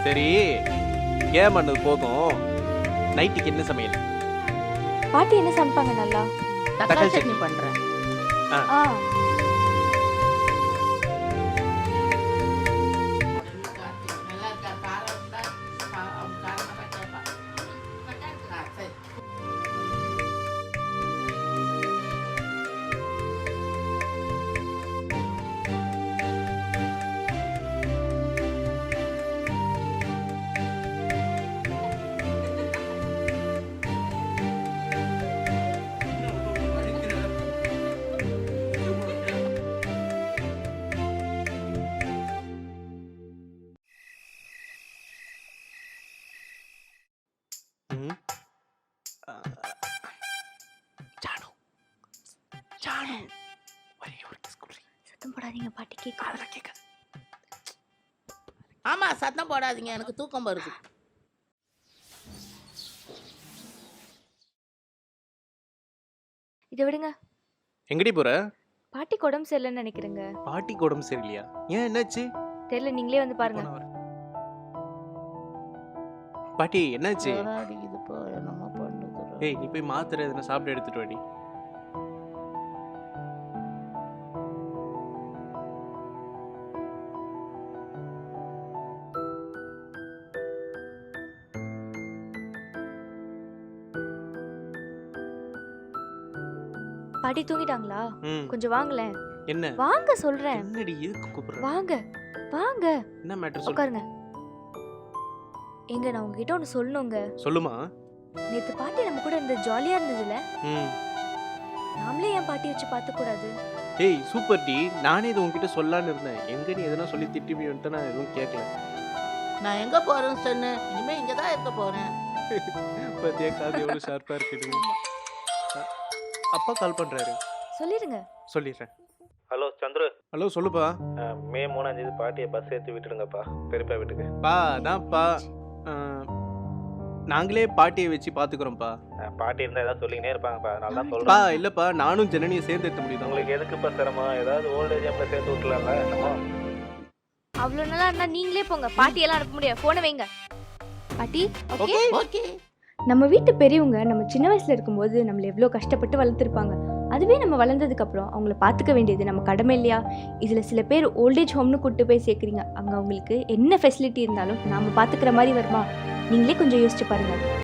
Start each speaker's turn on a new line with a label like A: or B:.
A: சரி கேம் பண்ணது போதும். நைட்டுக்கு என்ன சமையல்?
B: பாட்டி என்ன சமைப்பாங்க நல்லா?
C: தக்காளி சட்னி பண்றேன்.
B: ஆ
A: ம். ஆ. ஜானு ஜானு ஒரே ஒரு கிஸ் குடி.
B: சத்தம் போடாதீங்க பாட்டி கேட்க.
A: அதெல்லாம் கேட்காது.
C: ஆமா, சத்தம் போடாதீங்க, எனக்கு தூக்கம் வருது.
B: இதை விடுங்க.
A: எங்கடி போற?
B: பாட்டிக்கு உடம்பு சரியில்லைன்னு நினைக்கிறேங்க.
A: பாட்டிக்கு உடம்பு சரியில்லையா? ஏன் என்னாச்சு?
B: தெரியல, நீங்களே வந்து பாருங்க.
A: இப்போ நான் வரேன். பாட்டி என்னாச்சு?
C: ஜுரம் அடிக்குதுப்பா, என்னமோ பண்ணுது.
A: ஏய் நீ போய் மாத்திரை எதுனா சாப்பிட்டு எடுத்துட்டு வாடி.
B: பாட்டி தூங்கிட்டாங்களா?
A: ம்.
B: கொஞ்சம் வாங்களேன்.
A: என்ன?
B: வாங்க சொல்றேன்.
A: என்னடி எதுக்கு கூப்பிடுற?
B: வாங்க வாங்க
A: என்ன மேட்டர் சொல்லு.
B: உட்காருங்க. எங்க நான் உங்ககிட்ட ஒன்று சொல்லணுங்க.
A: சொல்லுமா.
B: நேத்து பாட்டி நம்ம கூட இருந்த ஜாலியா இருந்ததுல,
A: ம்.
B: நாமளே என் பாட்டி வச்சு பார்த்து கூடாது?
A: ஏய் சூப்பர் டி. நானே இது உன்கிட்ட சொல்லலான்னு இருந்தேன். எங்க நீ எதனா சொல்லி திட்டி வந்துட்டு நான் எதுவும் கேட்கல.
C: நான் எங்க போறேன்னு சொன்ன, இனிமே இங்கதான் இருக்க போறேன்.
A: பத்தியா காது எவ்வளவு ஷார்ப்பா இருக்குது. அப்பா கால் பண்றாரு.
B: சொல்லிருங்க.
A: சொல்லிடுறேன்.
D: ஹலோ சந்துரு,
A: ஹலோ சொல்லுப்பா.
D: மே 3ஆம் தேதி பாட்டியை பஸ் ஏற்றி விட்டுடுங்கப்பா பெரியப்பா வீட்டுக்கு.
A: பா அதான்ப்பா. நாங்களே பாட்டியை வச்சு பாத்துக்கிறோம்ப்பா.
D: பாட்டி இருந்தால் ஏதாவது சொல்லிக்கினே இருப்பாங்கப்பா, அதனால தான்
A: பா
D: சொல்கிறேன்.
A: இல்லப்பா, நானும் ஜனனியை சேர்ந்து எடுத்த முடியுது.
D: உங்களுக்கு எதுக்குப்பா சிரமம்? ஏதாவது ஓல்டேஜ் ஹோமில் சேர்த்து விட்டுலாம்ல நம்ம.
B: அவ்வளவு நல்லா இருந்தா நீங்களே போங்க. பாட்டி எல்லாம் அனுப்ப முடியாது. போனை வைங்க. பாட்டி ஓகே.
C: ஓகே.
B: நம்ம வீட்டு பெரியவங்க நம்ம சின்ன வயசுல இருக்கும்போது நம்மள எவ்வளோ கஷ்டப்பட்டு வளர்த்துருப்பாங்க. அதுவே நம்ம வளர்ந்ததுக்கு அப்புறம் அவங்கள பார்த்துக்க வேண்டியது நம்ம கடமை இல்லையா? இதுல சில பேர் ஓல்டேஜ் ஹோம்னு கூட்டு போய் சேர்க்குறீங்க. அங்க அவங்களுக்கு என்ன ஃபெசிலிட்டி இருந்தாலும் நாம பாத்துக்கிற மாதிரி வருமா? நீங்களே கொஞ்சம் யோசிச்சு பாருங்க.